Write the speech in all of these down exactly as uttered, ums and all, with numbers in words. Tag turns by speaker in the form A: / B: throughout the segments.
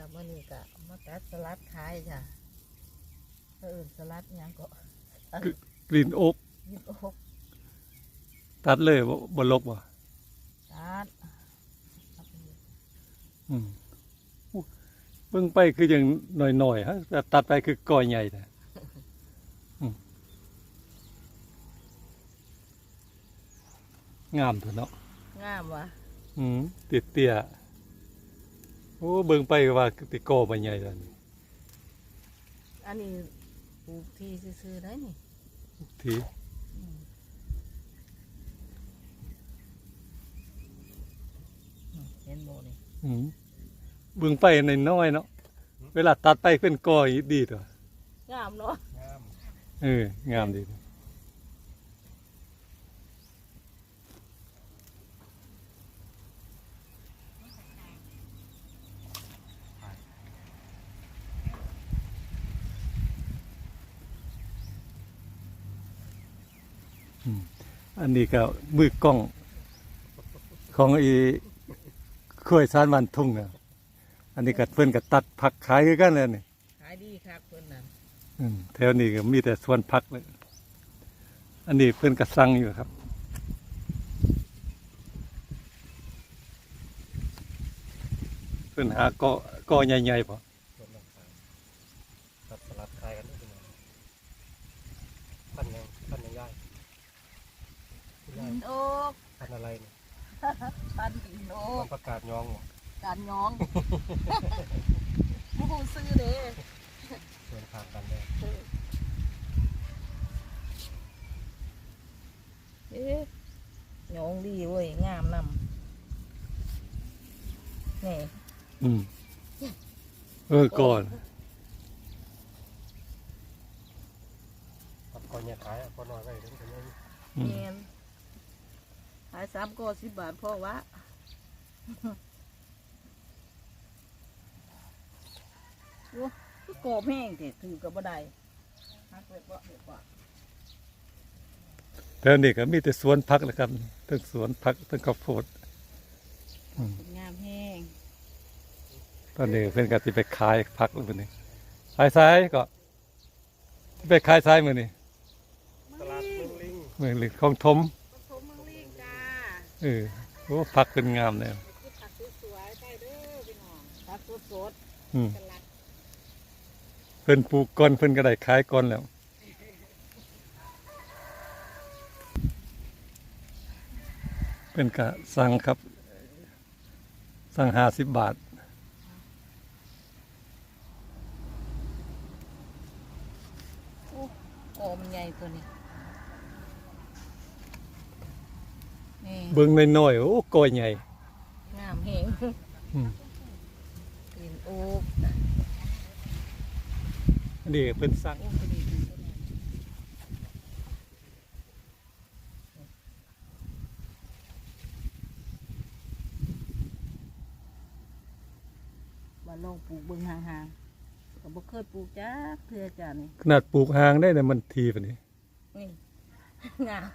A: เมื่อนี้ก็มาตัดสลัดขายจ้ะเออสลัดยังก็
B: กลิ่นโอ๊ก
A: ยิบโอก
B: ตัดเลยบ่ลกบ่
A: ตัด
B: อืมเบิ่งไปคืออย่างหน่อยๆฮะแต่ตัดไปคือก้อยใหญ่แท้อืมงามเถอะเนาะ
A: งามวะ
B: อืมเตี้ยๆโอ้เบิ่งไปก็ว่าติกอใบใหญ่แล้วนี่
A: อันนี้ปลูกที่ซื้อๆได้นี่
B: ที
A: เห็นโมนี่
B: อืมเบิ่งไปน้อยๆเนาะเวลาตัดไปเป็นกอดีตัว
A: งามเนาะ
B: เอองามดีอืมอันนี้ก็มือกล้องของอีข้วยสารวันทุ่งนะอันนี้ก็เพิ่นก็ตัดผักขายคือกันเลยนี่
A: ขายดีครับเพิ่นน่ะ
B: อืมแถวนี้ก็มีแต่สวนผักเลยอันนี้เพิ่นก็สั่งอยู่ครับเพิ่นหาเกาะเกาะใหญ่ๆพอ
C: ตัดสลัดคายกันได้เป็นไงพันยังพันยังย่ายย่าย
A: ดินโอก
C: พันอะไรเนี่ย
A: พันดินโอ
C: มั
A: ก
C: นประกาศยองหมด
A: การย้องผู้ซื้อเด้
C: เดินทางกันเลย
A: เอ๊ะย้องดีเว้ยงามนำนี่
B: อืมเออก่อน
C: ตัดก่อนเนี่ยขายก่อนน้อยไปถึงจะยัง
B: อืม
A: เงินขายสามก้อสิบบาทพ่อวะโอ้ก็กรอบแห้งเถอะถือกับบ่ได้ฮักเล็บบ่เล็บบ่
B: แถวนี้ก็มีแต่สวนผักแหละครับทั้งสวนผักทั้งข้าวโพดอืม
A: งามแห้ง
B: ตอนนี้เพิ่นก็สิไปขายผักแล้วมื้อนี้ขายซ้ายก็ไปขายซ้ายมื้อนี้
C: ตลาดเมืองลิง
B: มื้อนี้ของถม
A: ผสมมังลิงจ้า
B: เออโอ้ผักเพิ่นงามแล้ว
A: คือผักสวยๆได้เด้อพี่น้องผักสด
B: อืม
A: ๆสลัด
B: เพิ่นปลูกก่อนเพิ่นก็ได้ขายก่อนแล้วเพิ่นก็สั่งครับสั่งห้าสิบบาท
A: โอ้โอมันใหญ่ตัวนี้นี่
B: เบิ่งน้อยๆโอ้ก้อยใหญ่
A: งามแห้ง
B: อืม
A: กลิ่นโอ๊ก
B: อันนี้เพิ่นสั่ง
A: โอ้พอดีดีตัวนี้มาลองปลูกเบิ่งห่างๆก็บ่เคยปลูกจ้าเพื่อจ้านี่
B: ขนาดปลูกหางได้เนี่ยมันทีปานนี้
A: นี่ งาม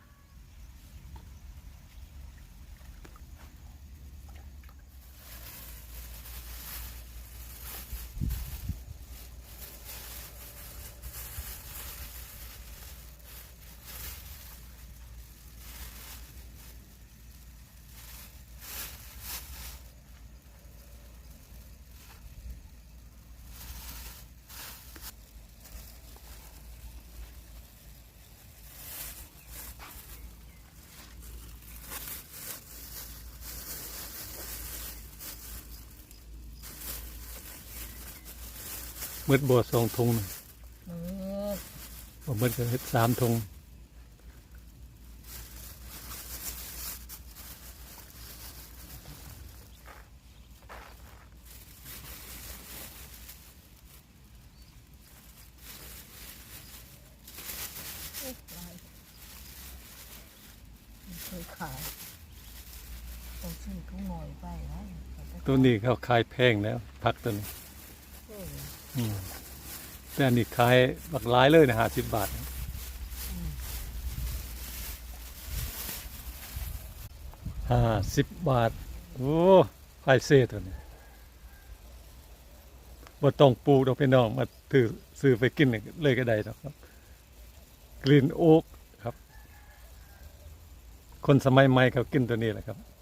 B: มืดบ่สองถุงน่ะ
A: อืม
B: บ่มืดก็เฮ็ดสามถุง
A: โอ้ลายไม่เคยขายต้องซื้อเขาหน่อยไปนะ
B: ตัวนี้เขาขายแพงแล้วผักตัวนี้
A: เออ
B: อืมแต่อันนี้ขายบักหลายเลยนะห้าสิบบาทห้าสิบบาทโอ้ขายเศษตัวนี้บ่ต้องปลูกดอกพี่น้องมาถือซื้อไปกินเลยก็ได้ดอกครับกรีนโอ๊กครับ คนสมัยใหม่เขากินตัวนี้แหละครับ